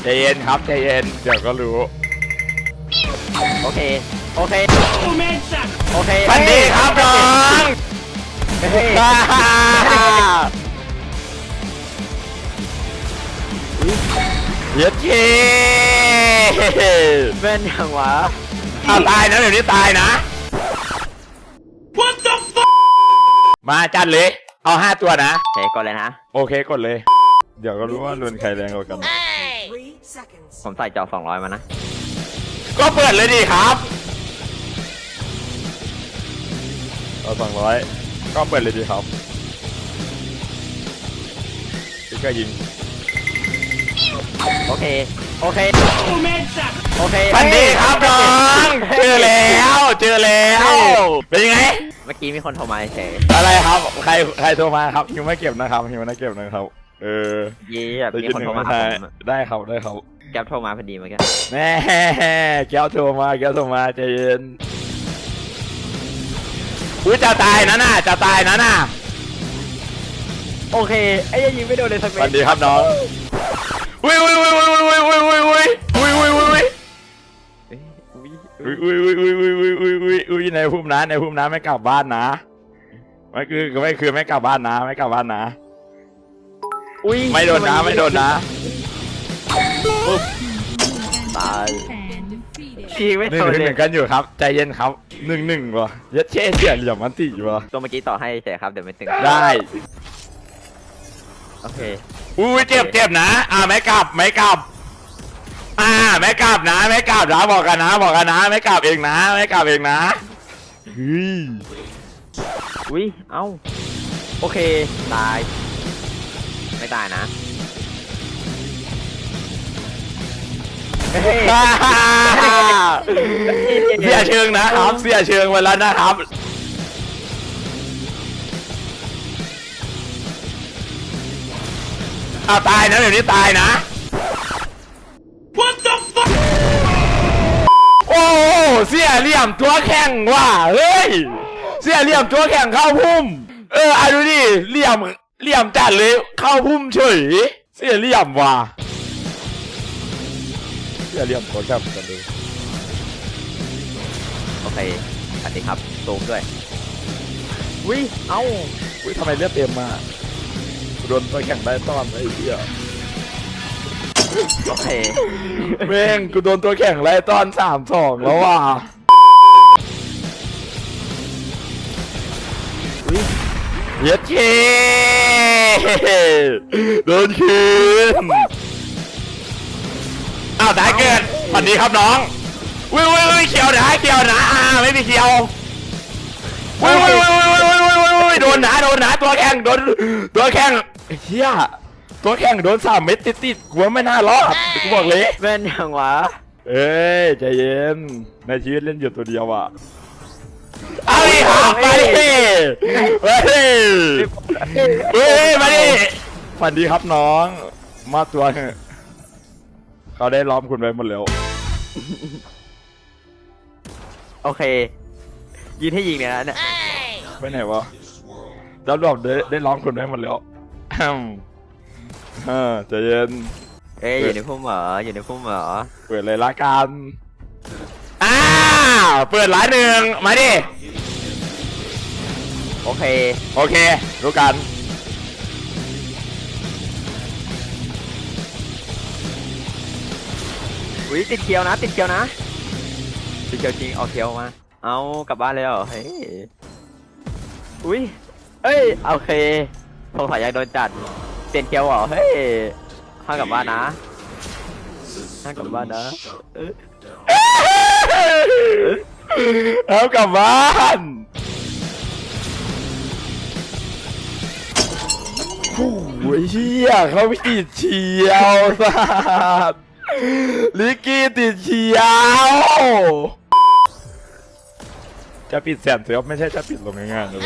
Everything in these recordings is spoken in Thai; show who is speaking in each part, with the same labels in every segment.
Speaker 1: ใจเย็นครับใจเย็นเดี๋ยวก็รู้
Speaker 2: โอเคโอเคโอเค
Speaker 1: สวัสดีครับน้องเย็ดเย่
Speaker 2: เป็นอย่างวะ
Speaker 1: เอาตายนะเดี๋ยวนี้ตายนะ What the fuck มาจัดเลยเอา5ตัวนะ
Speaker 2: โอเคก่อนเลยนะ
Speaker 1: โอเคกดเลย เดี๋ยวก็รู้ว่ารุนใครแรงกว่ากัน
Speaker 2: ผมใส่จอ200มานะ
Speaker 1: ก็เปิดเลยดิครับเอา200ก็เปิดเลยดิครับพี่ก็ยิง
Speaker 2: โอเคโอเคโอเค
Speaker 1: สวัสดีครับน้องเจอแล้วเป็นยังไง
Speaker 2: เมื่อกี้มีคนโทรมาเฉย
Speaker 1: อะไรครับใครโทรมาครับฮิวไม่เก็บนะครับฮิวไม่เก็บนะครับ
Speaker 2: ยี่แบบมีคนโทรมาหาผม
Speaker 1: ได้ครับ
Speaker 2: แก๊ปโทรมาพอดีเมื่อกี้
Speaker 1: แน่แก้วโทรมาใจเย็นอุ้ยจะตายนะน่ะ
Speaker 2: โอเคไอ้ยังยิงไม่โดนเลยสัก
Speaker 1: ส
Speaker 2: เม็ด
Speaker 1: วัสดีครับน้องอุ้ยในภูมินะไม่กลับบ้านนะไม่คือไม่กลับบ้านนะ
Speaker 2: อุ้ย
Speaker 1: ไม่โดนนะปุ๊บ
Speaker 2: ตาย
Speaker 3: And defeated.
Speaker 2: ยิงไม่
Speaker 1: หนึ่
Speaker 2: โดนเล
Speaker 1: ง
Speaker 2: ย
Speaker 1: กันอยู่ครับใจเย็นครับ1-1ว่ะยัดเช่เสียเหลี่ยมมันติว่ะ
Speaker 2: ตัวเมื่อกี้ต่อให้เฉยครับเดี๋ยวไม่ตึง
Speaker 1: ได้
Speaker 2: โอเค
Speaker 1: อุ้ยเจ็บนะไม่กลับไม่กลับนะบอกกันนะไม่กลับเองนะเฮ้ย
Speaker 2: อุ้ยเอ้าโอเคตายไม่ตายนะ
Speaker 1: เสียเชิงนะครับเสียเชิงไปแล้วนะครับเอาตายนะเดี๋ยวนี้ตายนะ What the fuck โอ้เสียเหลี่ยมตัวแข็งว่ะเฮ้ยเสียเหลี่ยมตัวแข็งเข้าพุ่มดูดิเหลี่ยมจัดเลยเข้าพุ่มเฉยเสียเหลี่ยมว่ะเสียเหลี่ยมตัวแข็งกันเลย
Speaker 2: โอเคสวัสดีครับตูมด้วยอุ้ยเอ้า
Speaker 1: อุ้ยทำไมเลือดเต็มมาโดนตัวแข็งได้ต้อนไอ้เหี้ย
Speaker 2: โอเค
Speaker 1: แม่งกูโดนตัวแข็งไล่ต้อน3-2แล้วว่ะ
Speaker 2: อุ้ย
Speaker 1: เย็ดเช่โดนคืนอ้าวตายเกิดสวัสดีครับน้องอุ้ยเขียวนะไม่มีเขียวอุ้ยโดนนะตัวแข็งเฮียตัวแข็งโดน3 เม็ดติดกูว่าไม่น่ารอดกูบอกเลย
Speaker 2: เป็นอย่างวะ
Speaker 1: เอ้ยใจเย็นในชีวิตเล่นอยู่ตัวเดียวอ่ะเอาดิครับมาดิมาดิฝันดีครับน้องมาตัวเถอะเขาได้ล้อมคุณไว้หมดแล้ว
Speaker 2: โอเคยิงให้ยิงเนี่ยนะเนี่ย
Speaker 1: ไปไหนวะแล้วรอบได้ล้อมคุณไว้หมดแล้วใจเย็น
Speaker 2: เอ้ยอยู่ในพุ่มเหรอ
Speaker 1: เปิดเลยละกันเปิดร้านหนึ่งมาดิ
Speaker 2: โอเค
Speaker 1: รู้กัน
Speaker 2: อุ้ยติดเคียวนะติดเคียวจริงเอาเคียวมาเอากลับบ้านเลยเหรอเฮ้ยอุ้ยเอ้ยโอเคสงสัยยังโดนจัดเปลี่ยนเคียวเหรอเฮ้ยห้ามกลับบ้านนะ
Speaker 1: เอากลับบ้านโอ้ยเชี่ยเขาไม่ติดเชียวสัสลิกกี้ติดเชียวจะปิดแสนเสียไม่ใช่จะปิดลงง่ายๆเลย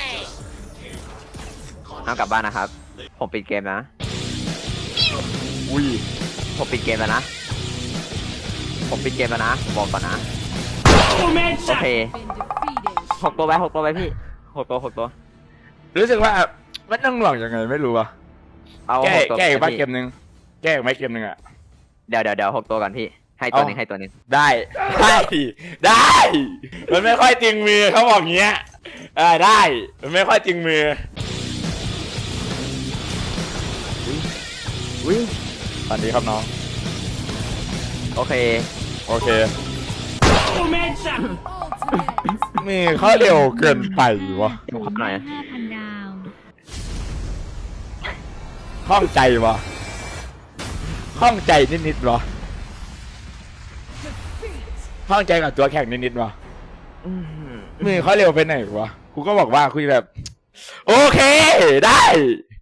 Speaker 2: ห้ามกลับบ้านนะครับผมปิดเกมนะ
Speaker 1: อุ้ย
Speaker 2: ผมปิดเกมแล้วนะบอกก่อนนะโอเค
Speaker 3: Been defeated.
Speaker 2: 6 ตัวไปพี่6 ตัว
Speaker 1: รู้สึกว่ามันต้องหน่วงยังไงไม่รู้ว่ะ
Speaker 2: เอา
Speaker 1: แก้
Speaker 2: 6 ตัว
Speaker 1: แก้อีก
Speaker 2: ไป
Speaker 1: บ้า
Speaker 2: พี่
Speaker 1: เกมหนึ่งแก้อีกไหมเกมหนึ่งอ่ะ
Speaker 2: เดี๋ยว6ตัวก่อนพี่ให้ตัวหนึงให้ตัวหนึง
Speaker 1: ได้ได้ มันไม่ค่อยจริงมือเขาบอกเงี้ยได้มันไม่ค่อยจริงมือ
Speaker 2: อุ้ย
Speaker 1: สวัสดีครับน้อง
Speaker 2: โอเค
Speaker 1: โอเค
Speaker 3: Ultimate.
Speaker 1: มือเขาเร็วเกินไปวะ
Speaker 2: ดูพับหน่อย
Speaker 4: 5,000 ดาว
Speaker 1: ข้องใจวะข้องใจนิดๆวะข้องใจกับตัวแข่งนิดๆวะมือเขาเร็วไปไหนวะกูก็บอกว่าคุยแบบ โอเคได้